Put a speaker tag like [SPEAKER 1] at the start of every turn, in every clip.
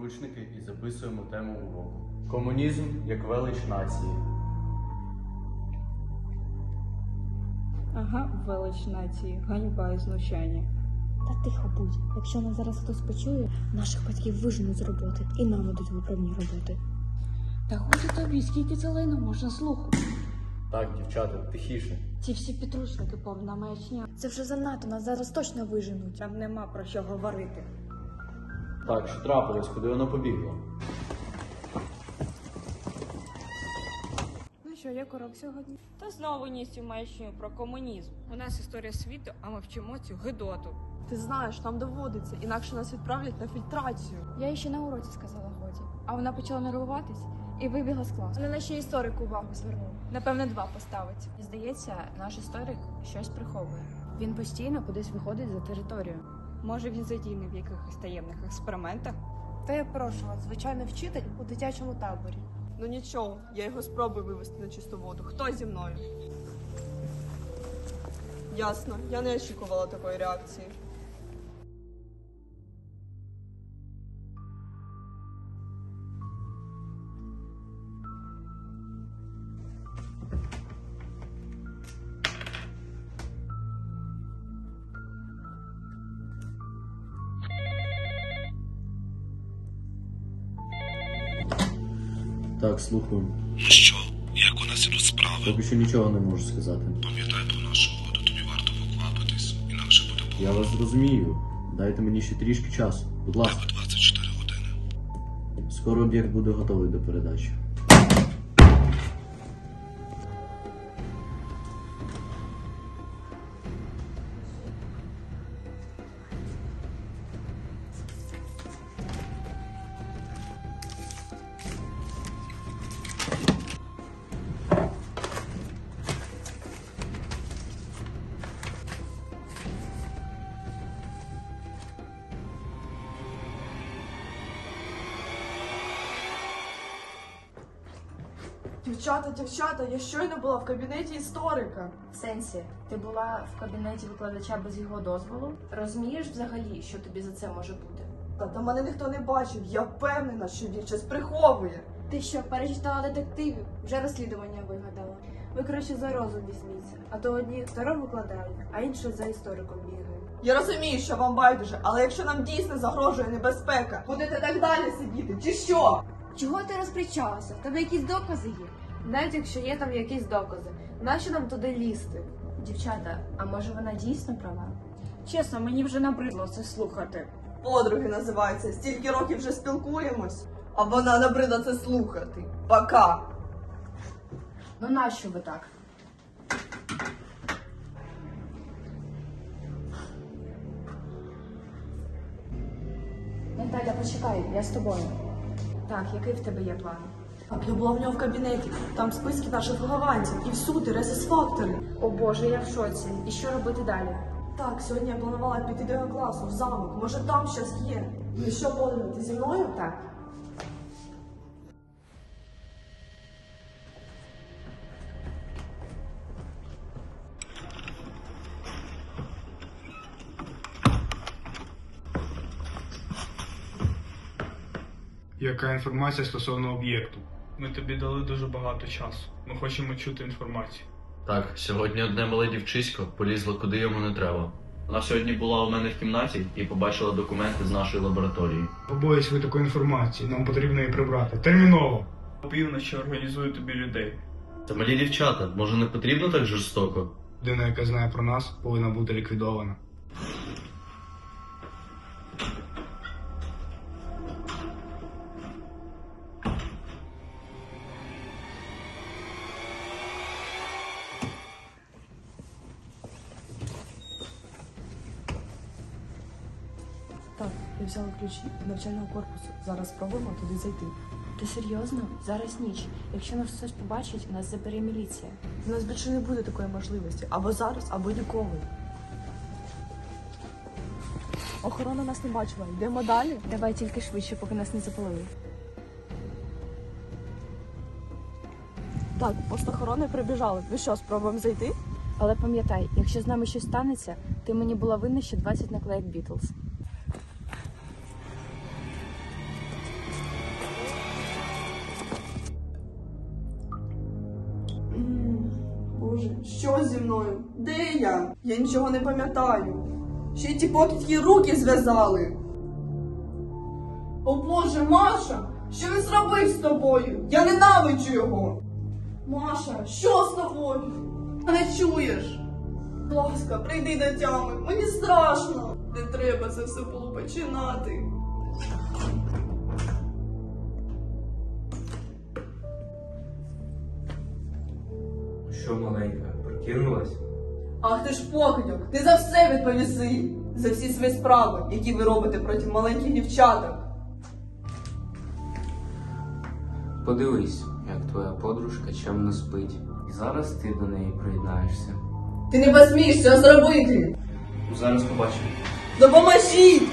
[SPEAKER 1] підручники і записуємо тему уроку. Комунізм як велич нації.
[SPEAKER 2] Ага, велич нації, ганьба і знущання.
[SPEAKER 3] Та тихо будь. Якщо нас зараз хтось почує, наших батьків виженуть з роботи і нам дадуть виправні роботи.
[SPEAKER 2] Та годі тобі, скільки це лайно можна слухати?
[SPEAKER 1] Так, дівчата, тихіше.
[SPEAKER 2] Ці всі підручники повна маячня.
[SPEAKER 3] Це вже занадто, нас зараз точно виженуть.
[SPEAKER 2] Там нема про що говорити.
[SPEAKER 1] Так, що трапилось, куди вона побігла?
[SPEAKER 2] Ну що, як урок сьогодні? Та знову ніс цю маячню про комунізм. У нас історія світу, а ми вчимо цю гидоту.
[SPEAKER 4] Ти знаєш, нам доводиться, інакше нас відправлять на фільтрацію.
[SPEAKER 3] Я їй ще на уроці сказала годі. А вона почала нервуватись і вибігла з класу.
[SPEAKER 5] Вона ще історик увагу звернув. Напевне, 2 поставить.
[SPEAKER 6] Здається, наш історик щось приховує. Він постійно кудись виходить за територію.
[SPEAKER 2] Може, він задійний в якихось таємних експериментах?
[SPEAKER 5] Та я прошу вас, звичайний вчитель у дитячому таборі.
[SPEAKER 4] Ну нічого, я його спробую вивести на чисту воду. Хто зі мною? Ясно, я не очікувала такої реакції.
[SPEAKER 1] Так, слухаю.
[SPEAKER 7] Ну що, як у нас ідуть справи?
[SPEAKER 1] Поки що нічого не можу сказати.
[SPEAKER 7] Пам'ятай про нашу угоду, тобі варто поквапитись, інакше буде
[SPEAKER 1] Я вас зрозумію. Дайте мені ще трішки часу. Будь ласка.
[SPEAKER 7] тебе 24 години.
[SPEAKER 1] Скоро об'єкт буде готовий до передачі.
[SPEAKER 4] Дівчата, я щойно була в кабінеті історика.
[SPEAKER 6] В сенсі, ти була в кабінеті викладача без його дозволу? Розумієш взагалі, що тобі за це може бути?
[SPEAKER 4] Та мене ніхто не бачив, я впевнена, що він щось приховує.
[SPEAKER 5] Ти що, перечитала детективів? Вже розслідування вигадала. Ви краще за розум візьміться. А то одні старо викладають, а інші за істориком бігають.
[SPEAKER 4] Я розумію, що вам байдуже, але якщо нам дійсно загрожує небезпека, будете так далі сидіти, чи що?
[SPEAKER 5] Чого ти розпричалася? В тебе якісь докази є? Навіть якщо є там якісь докази, нащо нам туди лізти?
[SPEAKER 6] Дівчата, а може вона дійсно права?
[SPEAKER 2] Чесно, мені вже набридло це слухати.
[SPEAKER 4] Подруги називаються, стільки років вже спілкуємось, а вона набридла це слухати. Пока!
[SPEAKER 6] Ну нащо ви так? Наталя, почекай, я з тобою. Так, який в тебе є план?
[SPEAKER 4] Так, я була в нього в кабінеті, там списки наших вихованців, і всюди резус-фактори.
[SPEAKER 6] О Боже, я в шоці. І що робити далі?
[SPEAKER 4] Так, сьогодні я планувала піти до його класу, в замок, може там щось є. Ну що, подруга, ти зі мною?
[SPEAKER 6] Так.
[SPEAKER 8] Яка інформація стосовно об'єкту? Ми тобі дали дуже багато часу. Ми хочемо чути інформацію.
[SPEAKER 1] Так, сьогодні одне мале дівчисько полізло куди йому не треба. Вона сьогодні була у мене в кімнаті і побачила документи з нашої лабораторії.
[SPEAKER 8] Побоюсь ви такої інформації, нам потрібно її прибрати. Терміново! Опівночі організую тобі людей.
[SPEAKER 1] Та малі дівчата, може не потрібно так жорстоко?
[SPEAKER 8] Людина, яка знає про нас, повинна бути ліквідована.
[SPEAKER 4] Так, я взяла ключі від навчального корпусу. Зараз спробуємо туди зайти.
[SPEAKER 6] Ти серйозно? Зараз ніч. Якщо нас хтось побачить, нас забере міліція.
[SPEAKER 4] У нас більше не буде такої можливості. Або зараз, або ніколи. Охорона нас не бачила. Йдемо далі.
[SPEAKER 6] Давай тільки швидше, поки нас не запалили.
[SPEAKER 4] Так, пост охорони прибіжали. Ну що, спробуємо зайти?
[SPEAKER 6] Але пам'ятай, якщо з нами щось станеться, ти мені була винна ще 20 наклеїк Бітлз.
[SPEAKER 4] Що зі мною? Де я? Я нічого не пам'ятаю. Ще й ті покидьки руки зв'язали. О Боже, Маша! Що він зробив з тобою? Я ненавиджу його! Маша, що з тобою? Не чуєш? Будь ласка, прийди до тями, мені страшно. Не треба це все було починати.
[SPEAKER 9] Що, маленька, прокинулась?
[SPEAKER 4] Ах ти ж покидьок, ти за все відповіси. За всі свої справи, які ви робите проти маленьких дівчаток.
[SPEAKER 9] Подивись, як твоя подружка чемно спить. І зараз ти до неї приєднаєшся.
[SPEAKER 4] Ти не посмієш цього зробити.
[SPEAKER 1] Зараз побачимо.
[SPEAKER 4] Допоможіть!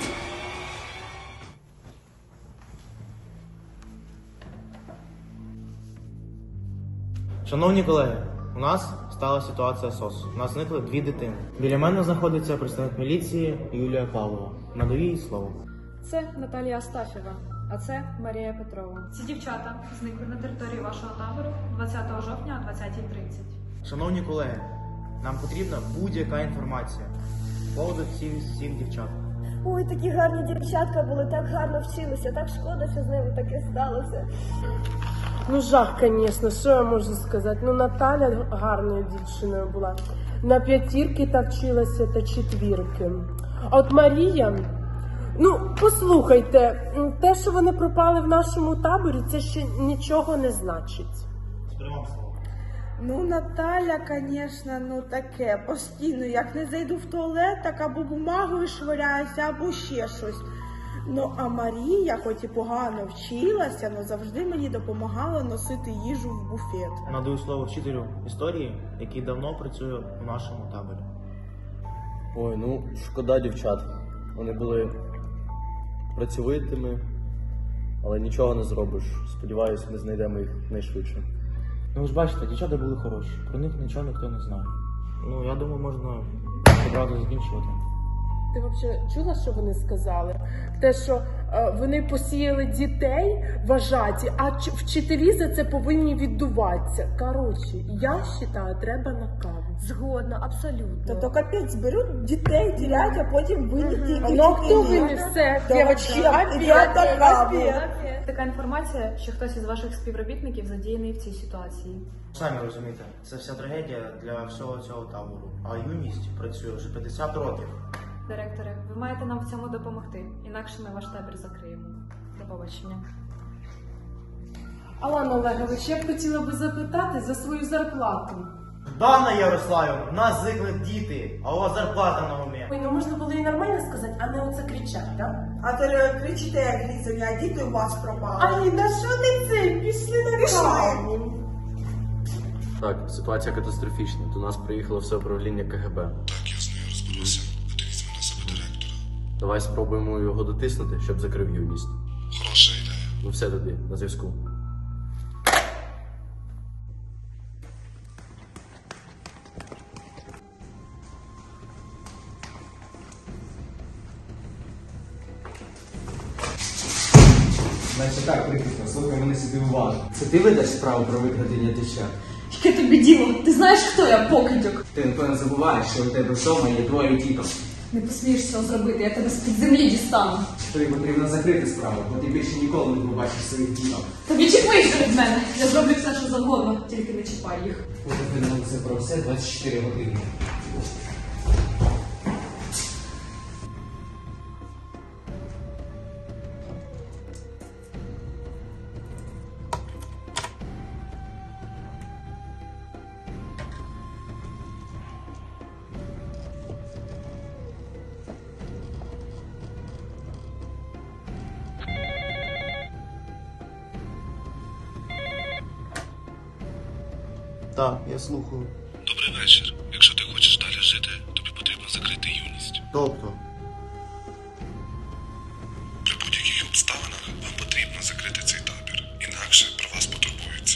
[SPEAKER 10] Шановні колеги, у нас стала ситуація СОС. У нас зникли 2 дитини. Біля мене знаходиться представник міліції Юлія Павлова. Надаю їй слово.
[SPEAKER 11] Це Наталія Астафєва, а це Марія Петрова. Ці дівчата зникли на території вашого табору 20 жовтня о 20:30.
[SPEAKER 10] Шановні колеги, нам потрібна будь-яка інформація з поводу всіх дівчат.
[SPEAKER 12] Ой, такі гарні дівчатка були, так гарно вчилися, так шкода, що з ними таке сталося.
[SPEAKER 13] Ну, жах, звісно, що я можу сказати? Ну, Наталя гарною дівчиною була. На 5 та вчилася та 4. А от Марія, ну, послухайте, те, що вони пропали в нашому таборі, це ще нічого не значить.
[SPEAKER 5] Ну, Наталя, звісно, ну таке, постійно, як не зайду в туалет, так або бумагою швиряюся, або ще щось. Ну, а Марія, хоч і погано вчилася, але завжди мені допомагала носити їжу в буфет.
[SPEAKER 10] Надаю слово вчителю історії, який давно працює у нашому таборі.
[SPEAKER 1] Ой, ну шкода дівчат. Вони були працьовитими, але нічого не зробиш. Сподіваюсь, ми знайдемо їх найшвидше.
[SPEAKER 10] Ну ви ж бачите, дівчата були хороші, про них нічого ніхто не знає. Ну, я думаю, можна одразу закінчувати.
[SPEAKER 13] Ти взагалі чула, що вони сказали? Те, що вони посіяли дітей вважаті, а вчителі за це повинні віддуватися. Коротше, я вважаю, треба на каву.
[SPEAKER 12] Згодна, абсолютно.
[SPEAKER 5] Та то капець, зберуть дітей, ділять, а потім винні тільки.
[SPEAKER 13] Ну, хто винні? Все,
[SPEAKER 11] Така інформація, що хтось із ваших співробітників задіяний в цій ситуації.
[SPEAKER 10] Самі розумієте, це вся трагедія для всього цього табору. А юність працює вже 50 років.
[SPEAKER 11] Директоре, ви маєте нам в цьому допомогти, інакше ми ваш табір закриємо. До побачення.
[SPEAKER 13] Алана Олегович, я б хотіла би запитати за свою зарплату.
[SPEAKER 10] Дана Ярославівна, в нас зникли діти, а у вас зарплата на умі.
[SPEAKER 13] Ой, ну можна було і нормально сказати, а не оце кричать, так?
[SPEAKER 4] А то кричите, як грізані, а діти у вас пропали.
[SPEAKER 13] Ай, да що ти це? Пішли на каву.
[SPEAKER 1] Так, ситуація катастрофічна. До нас приїхало все управління КГБ.
[SPEAKER 7] Так, я з нею розберуся, а ти візьми на себе директора.
[SPEAKER 1] Давай спробуємо його дотиснути, щоб закрив юність.
[SPEAKER 7] Хороша ідея.
[SPEAKER 1] Ну все тоді, на зв'язку.
[SPEAKER 9] Значить так, прикріпно, слухай мене сюди уважно. Це ти ведеш справу про викрадення дівчат?
[SPEAKER 2] Яке тобі діло? Ти знаєш, хто я, покидьок?
[SPEAKER 9] Ти, напевно, забуваєш, що у тебе вдома є двоє діток.
[SPEAKER 2] Не посмієш цього зробити, я тебе з-під землі дістану.
[SPEAKER 9] Тобі потрібно закрити справу, бо ти більше ніколи не побачиш своїх діток.
[SPEAKER 2] Та відчепися від мене. Я зроблю все, що завгодно, тільки не чіпай їх.
[SPEAKER 9] Ми це про все 24 години.
[SPEAKER 10] Так, я слухаю.
[SPEAKER 7] Добрий вечір. Якщо ти хочеш далі жити, тобі потрібно закрити юність.
[SPEAKER 10] Тобто?
[SPEAKER 7] При будь-яких обставинах вам потрібно закрити цей табір. Інакше про вас потурбуються.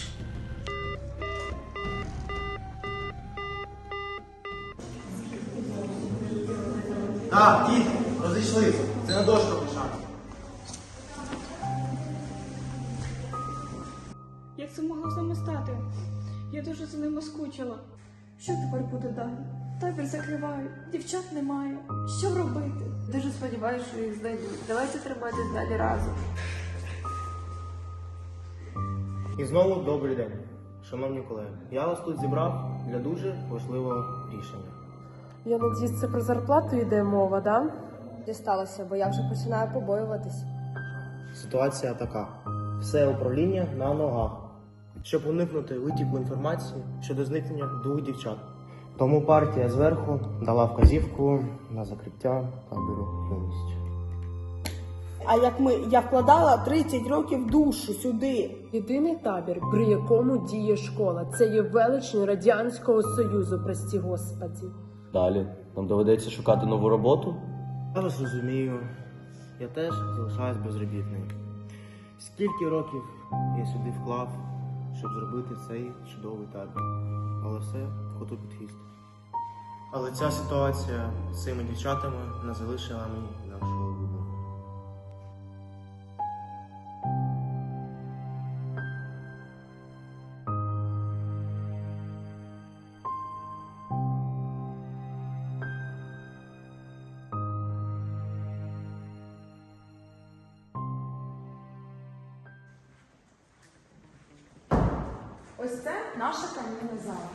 [SPEAKER 10] Так, діти, розійшлися. Це на дошку пишати.
[SPEAKER 2] Як це могло з ними стати? Я дуже за ними скучила.
[SPEAKER 14] Що тепер буде далі? Табір закривають, дівчат немає. Що робити?
[SPEAKER 6] Дуже сподіваюся, що їх знайдуть. Давайте триматись далі разом.
[SPEAKER 10] І знову добрий день, шановні колеги. Я вас тут зібрав для дуже важливого рішення.
[SPEAKER 13] Я надіюсь, це про зарплату йде мова, да?
[SPEAKER 12] Дісталося, бо я вже починаю побоюватись.
[SPEAKER 10] Ситуація така. Все управління на ногах, щоб уникнути витіку інформації щодо зникнення 2 дівчат. Тому партія зверху дала вказівку на закриття табору «Юність».
[SPEAKER 5] А я вкладала 30 років душу сюди.
[SPEAKER 13] Єдиний табір, при якому діє школа, це є величні Радянського Союзу, прості господі.
[SPEAKER 1] Далі нам доведеться шукати нову роботу.
[SPEAKER 10] Я вас розумію, я теж залишаюсь безробітним. Скільки років я сюди вклав, щоб зробити цей чудовий табір. Але все коту під хвіст. Але ця ситуація з цими дівчатами не залишила мені інакшого вибору.
[SPEAKER 5] Ось це наша камінна зала.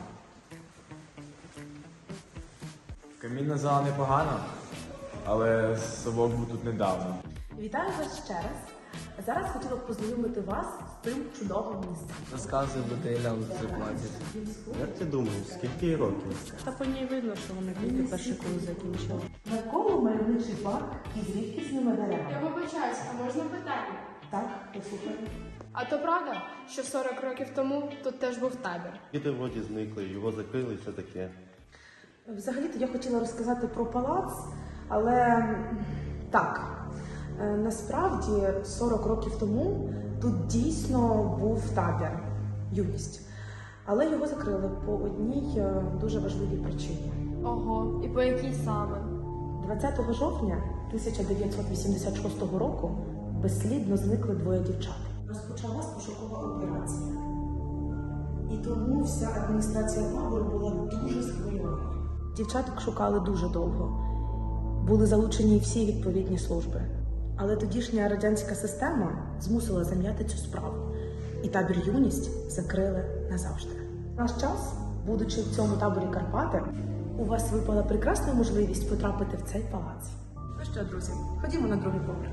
[SPEAKER 15] Камінна зала непогана, але совок був тут недавно.
[SPEAKER 5] Вітаю вас ще раз. Зараз хотіла б познайомити вас з цим чудовим місцем.
[SPEAKER 9] Розказуй, бо ти нам це платять.
[SPEAKER 10] Як ти думаєш, скільки їй років?
[SPEAKER 11] Та по ній видно, що вони тільки перший курс закінчили.
[SPEAKER 5] Навколо мальовничий парк із рідкісними деревами.
[SPEAKER 16] Я вибачаюсь, а можна питання?
[SPEAKER 5] Так, послухай.
[SPEAKER 16] А то правда, що 40 років тому тут теж був табір?
[SPEAKER 17] Діти вроді зникли, його закрили і все таке.
[SPEAKER 5] Взагалі-то я хотіла розказати про палац, але так, насправді 40 років тому тут дійсно був табір «Юність». Але його закрили по одній дуже важливій причині.
[SPEAKER 16] Ого, і по якій саме?
[SPEAKER 5] 20 жовтня 1986 року безслідно зникли 2 дівчат. Розпочалась пошукова операція. І тому вся адміністрація табору була дуже схвильована. Дівчаток шукали дуже довго. Були залучені всі відповідні служби. Але тодішня радянська система змусила зам'яти цю справу. І табір «Юність» закрили назавжди. В наш час, будучи в цьому таборі Карпати, у вас випала прекрасна можливість потрапити в цей палац. Ну що, друзі, ходімо на другий поверх.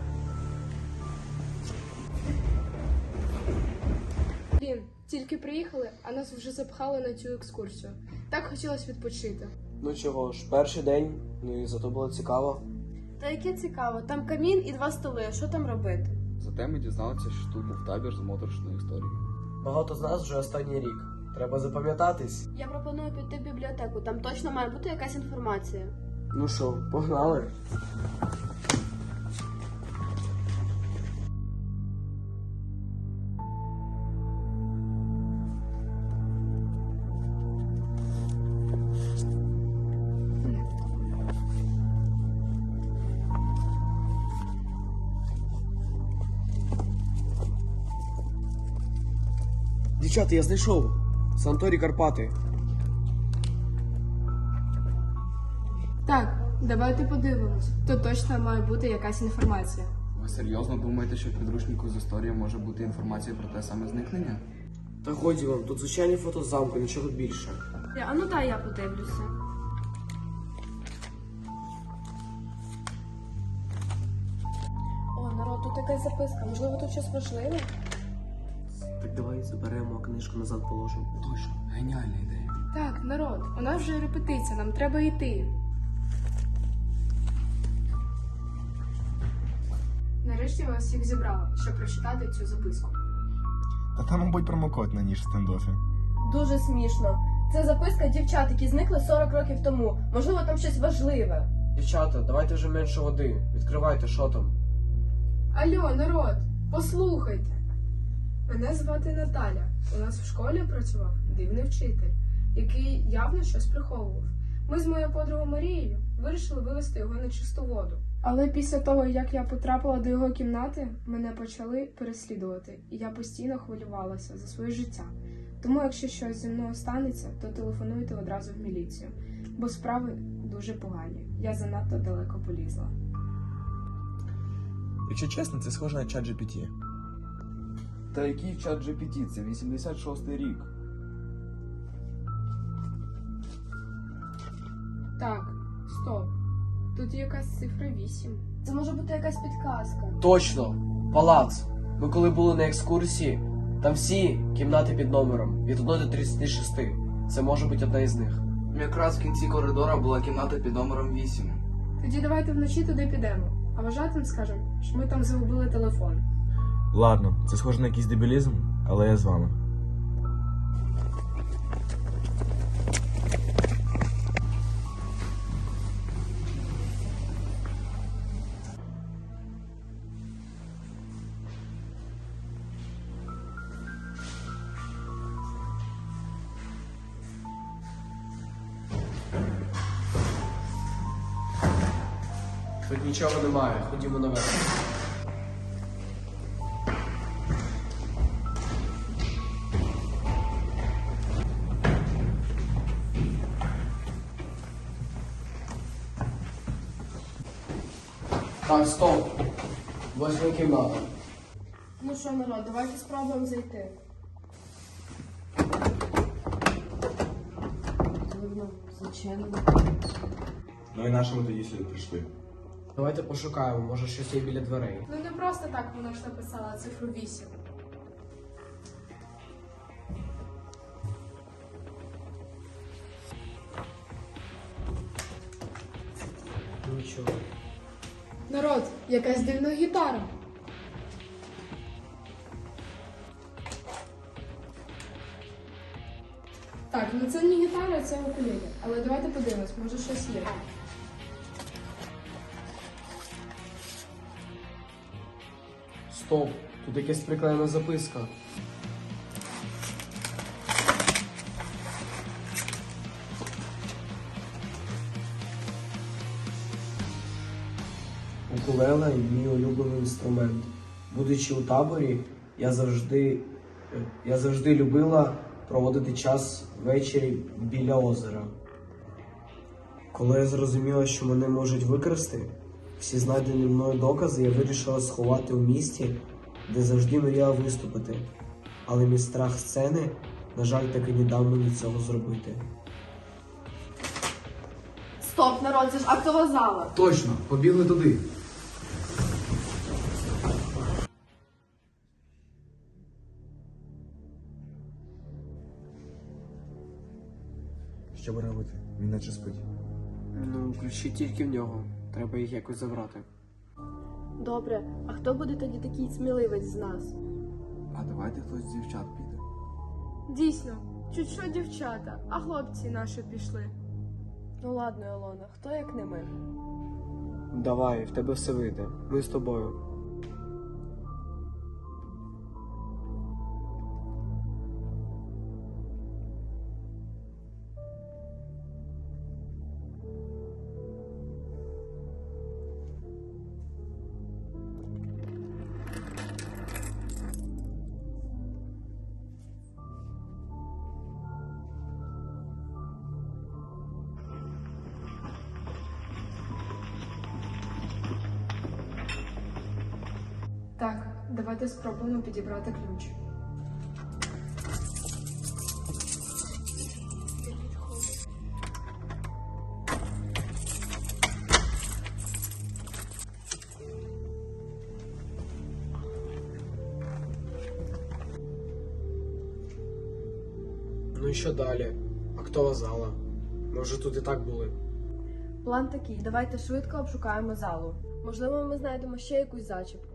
[SPEAKER 16] Блін, тільки приїхали, а нас вже запхали на цю екскурсію. Так хотілося відпочити.
[SPEAKER 18] Ну чого ж, перший день, ну і зато було цікаво.
[SPEAKER 16] Та яке цікаво, там камін і 2 столи, що там робити?
[SPEAKER 19] Зате ми дізналися, що тут був табір з моторошною історією.
[SPEAKER 18] Багато з нас вже останній рік. Треба запам'ятатись.
[SPEAKER 20] Я пропоную піти в бібліотеку, там точно має бути якась інформація.
[SPEAKER 18] Ну що, погнали? Дівчата, я знайшов. Санаторій Карпати.
[SPEAKER 16] Так, давайте подивимось. Тут точно має бути якась інформація.
[SPEAKER 19] Ви серйозно думаєте, що в підручнику з історії може бути інформація про те саме зникнення?
[SPEAKER 18] Та годі вам, тут звичайні фото замку, нічого більше.
[SPEAKER 20] А ну дай я подивлюся.
[SPEAKER 16] О, народ, тут якась записка. Можливо, тут щось важливе?
[SPEAKER 18] Так давай заберемо, а книжку назад положимо.
[SPEAKER 19] Точно, геніальна ідея.
[SPEAKER 16] Так, народ, у нас вже репетиція, нам треба йти. Нарешті вас всіх зібрали, щоб прочитати цю записку.
[SPEAKER 17] Та там, мабуть, промокод на ніж в стендофі.
[SPEAKER 20] Дуже смішно. Це записка дівчат, які зникли 40 років тому. Можливо, там щось важливе.
[SPEAKER 18] Дівчата, давайте вже менше води. Відкривайте, що там.
[SPEAKER 16] Алло, народ, послухайте. Мене звати Наталя. У нас в школі працював дивний вчитель, який явно щось приховував. Ми з моєю подругою Марією вирішили вивести його на чисту воду. Але після того, як я потрапила до його кімнати, мене почали переслідувати, і я постійно хвилювалася за своє життя. Тому, якщо щось зі мною станеться, то телефонуйте одразу в міліцію, бо справи дуже погані. Я занадто далеко полізла.
[SPEAKER 15] Якщо чесно, це схоже на чат GPT.
[SPEAKER 19] Та який чат GPT? Це 86-й рік.
[SPEAKER 16] Так, стоп. Тут є якась цифра 8.
[SPEAKER 20] Це може бути якась підказка.
[SPEAKER 18] Точно! Палац. Ми коли були на екскурсії, там всі кімнати під номером від 1 до 36. Це може бути одна із них.
[SPEAKER 19] Якраз в кінці коридора була кімната під номером 8.
[SPEAKER 16] Тоді давайте вночі туди підемо. А вважатим скажемо, що ми там загубили телефон.
[SPEAKER 15] Ладно, це схоже на якийсь дебілізм, але я з вами.
[SPEAKER 18] Тут нічого немає, ходімо наверх. Так, стоп. 8 кімната.
[SPEAKER 20] Ну що, народ, давайте спробуємо зайти. Дивно, зачинено.
[SPEAKER 17] Ну і наші ми тоді сюди прийшли.
[SPEAKER 18] Давайте пошукаємо, може щось є біля дверей.
[SPEAKER 16] Ну не просто так вона ж написала цифру 8.
[SPEAKER 18] Нічого.
[SPEAKER 16] Народ, якась дивна гітара. Так, ну це не гітара, це укулеле. Але давайте подивимось, може щось є.
[SPEAKER 18] Стоп, тут якась приклеєна записка. Укулеле – мій улюблений інструмент. Будучи у таборі, я завжди любила проводити час ввечері біля озера. Коли я зрозуміла, що мене можуть викрасти, всі знайдені мною докази я вирішила сховати у місті, де завжди мріяла виступити. Але мій страх сцени, на жаль, таки не дав мені цього зробити.
[SPEAKER 20] Стоп, народ, це ж актова зала.
[SPEAKER 19] Точно, побігли туди.
[SPEAKER 15] Що будемо робити? Він наче спить.
[SPEAKER 18] Ну, ключі тільки в нього. Треба їх якось забрати.
[SPEAKER 20] Добре, а хто буде тоді такий сміливець з нас?
[SPEAKER 19] А давайте хтось з дівчат піде.
[SPEAKER 16] Дійсно, чуть що дівчата, а хлопці наші пішли.
[SPEAKER 20] Ну ладно, Ілона, хто як не ми?
[SPEAKER 18] Давай, в тебе все вийде. Ми з тобою.
[SPEAKER 16] Так, давайте спробуємо підібрати ключ.
[SPEAKER 18] Ну і що далі? Актова зала. Ми вже тут і так були.
[SPEAKER 20] План такий, давайте швидко обшукаємо залу. Можливо, ми знайдемо ще якусь зачіпку.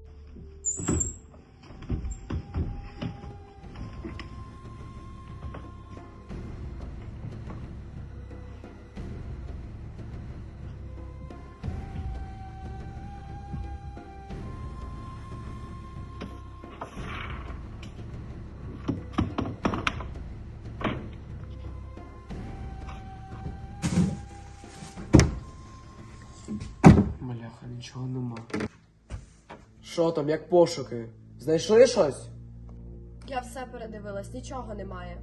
[SPEAKER 18] Маляха, нічого нема. Що там, як пошуки? Знайшли щось?
[SPEAKER 20] Я все передивилась, нічого немає.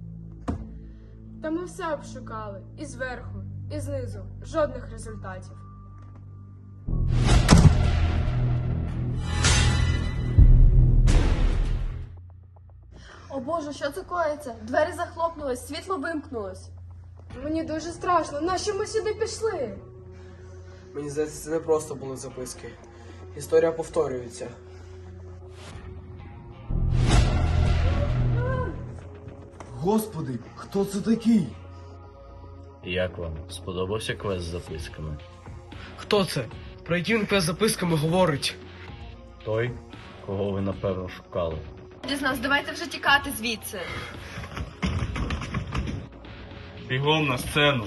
[SPEAKER 16] Та ми все обшукали. І зверху, і знизу. Жодних результатів.
[SPEAKER 20] О Боже, що це коїться? Двері захлопнулись, світло вимкнулось.
[SPEAKER 16] Мені дуже страшно. Нащо ми сюди пішли?
[SPEAKER 18] Мені здається, це не просто були записки. Історія повторюється.
[SPEAKER 10] Господи, хто це такий?
[SPEAKER 1] Як вам? Сподобався квест з записками?
[SPEAKER 21] Хто це? Про який він квест з записками говорить?
[SPEAKER 1] Той, кого ви напевно шукали.
[SPEAKER 20] Дізнався, давайте вже тікати звідси.
[SPEAKER 8] Бігом на сцену.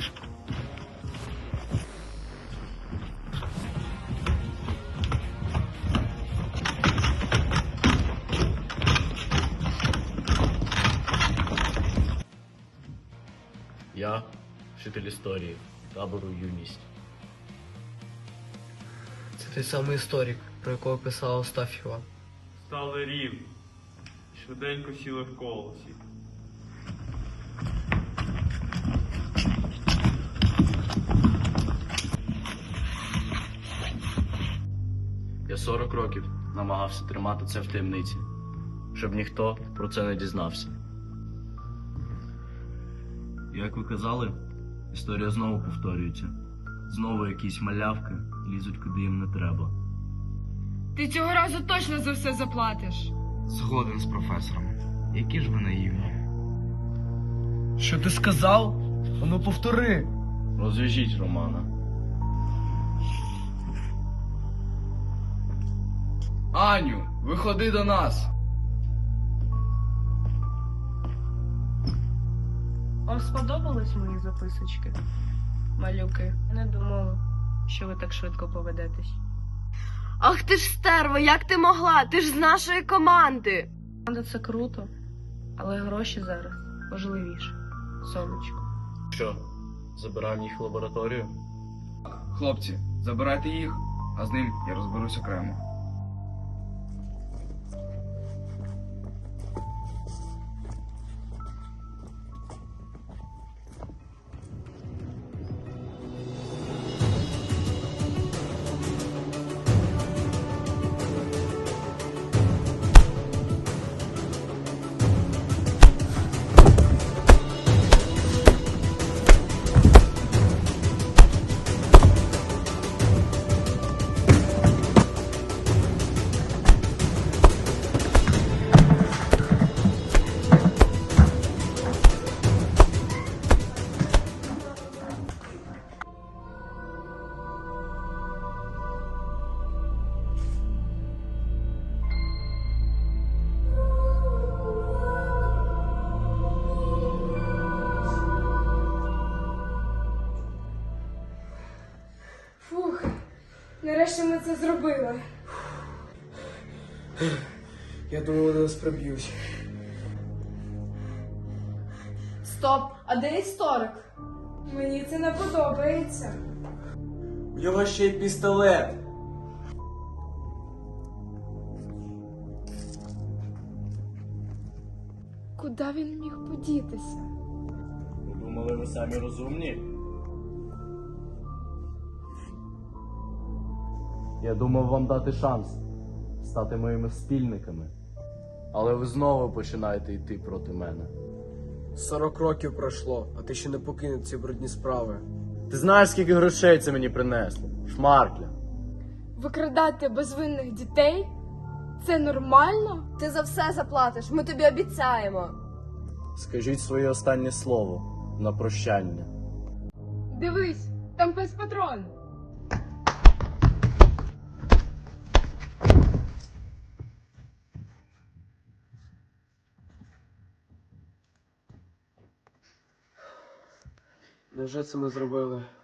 [SPEAKER 1] Я вчитель історії табору Юність.
[SPEAKER 21] Це той самий історик, про якого писала Остафєва.
[SPEAKER 8] Стали рівні. Швиденько сіли в колосі.
[SPEAKER 1] Я 40 років намагався тримати це в таємниці, щоб ніхто про це не дізнався. Як ви казали, історія знову повторюється. Знову якісь малявки лізуть, куди їм не треба.
[SPEAKER 2] Ти цього разу точно за все заплатиш.
[SPEAKER 10] Згоден з професором. Які ж ви наївні.
[SPEAKER 21] Що ти сказав? Ану повтори.
[SPEAKER 1] Розв'яжіть Романа.
[SPEAKER 21] Аню, виходи до нас.
[SPEAKER 2] Вам сподобались мої записочки? Малюки, не думала, що ви так швидко поведетесь.
[SPEAKER 20] Ах ти ж стерво, як ти могла? Ти ж з нашої команди.
[SPEAKER 2] Команда це круто, але гроші зараз важливіше. Сонечко.
[SPEAKER 1] Що, забираємо їх в лабораторію?
[SPEAKER 19] Хлопці, забирайте їх, а з ним я розберусь окремо.
[SPEAKER 16] Фух, нарешті ми це зробили.
[SPEAKER 18] Я думаю, вони нас приб'ють.
[SPEAKER 20] Стоп, а де історик?
[SPEAKER 16] Мені це не подобається.
[SPEAKER 15] У нього ще й пістолет.
[SPEAKER 16] Куди він міг подітися?
[SPEAKER 1] Ви думали, ви самі розумні? Я думав вам дати шанс стати моїми спільниками. Але ви знову починаєте йти проти мене.
[SPEAKER 18] 40 років пройшло, а ти ще не покинув ці брудні справи.
[SPEAKER 1] Ти знаєш, скільки грошей це мені принесло? Шмаркля.
[SPEAKER 16] Викрадати безвинних дітей? Це нормально?
[SPEAKER 20] Ти за все заплатиш, ми тобі обіцяємо.
[SPEAKER 1] Скажіть своє останнє слово на прощання.
[SPEAKER 16] Дивись, там пес патрон.
[SPEAKER 18] Невже це ми зробили?